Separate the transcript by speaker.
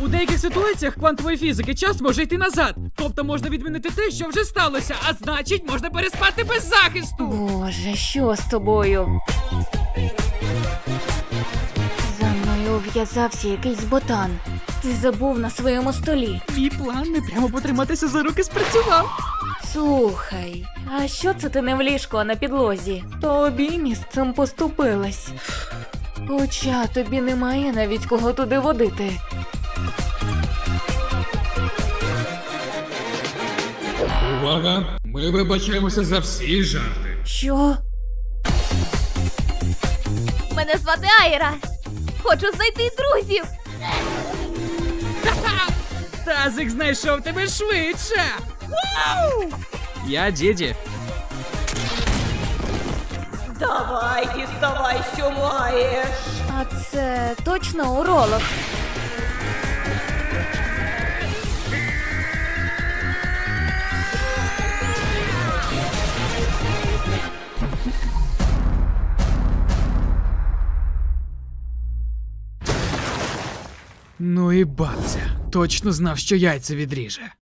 Speaker 1: У деяких ситуаціях квантової фізики час може йти назад. Тобто можна відмінити те, що вже сталося, а значить, можна переспати без захисту.
Speaker 2: Боже, що з тобою? За мною ув'язався якийсь ботан. Ти забув на своєму столі.
Speaker 1: Мій план не прямо потриматися за руки спрацював.
Speaker 2: Слухай, а що це ти не в ліжку, а на підлозі? Тобі місцем поступилась. Хоча тобі немає навіть кого туди водити.
Speaker 3: Увага! Ми вибачаємося за всі жарти.
Speaker 2: Що?
Speaker 4: Мене звати Айра. Хочу знайти друзів.
Speaker 1: Тазик знайшов тебе швидше. Вау! Я Діді.
Speaker 5: Давай, діставай, що маєш.
Speaker 2: А це точно уролог?
Speaker 1: Ну і бабця. Точно знав, що яйця відріже.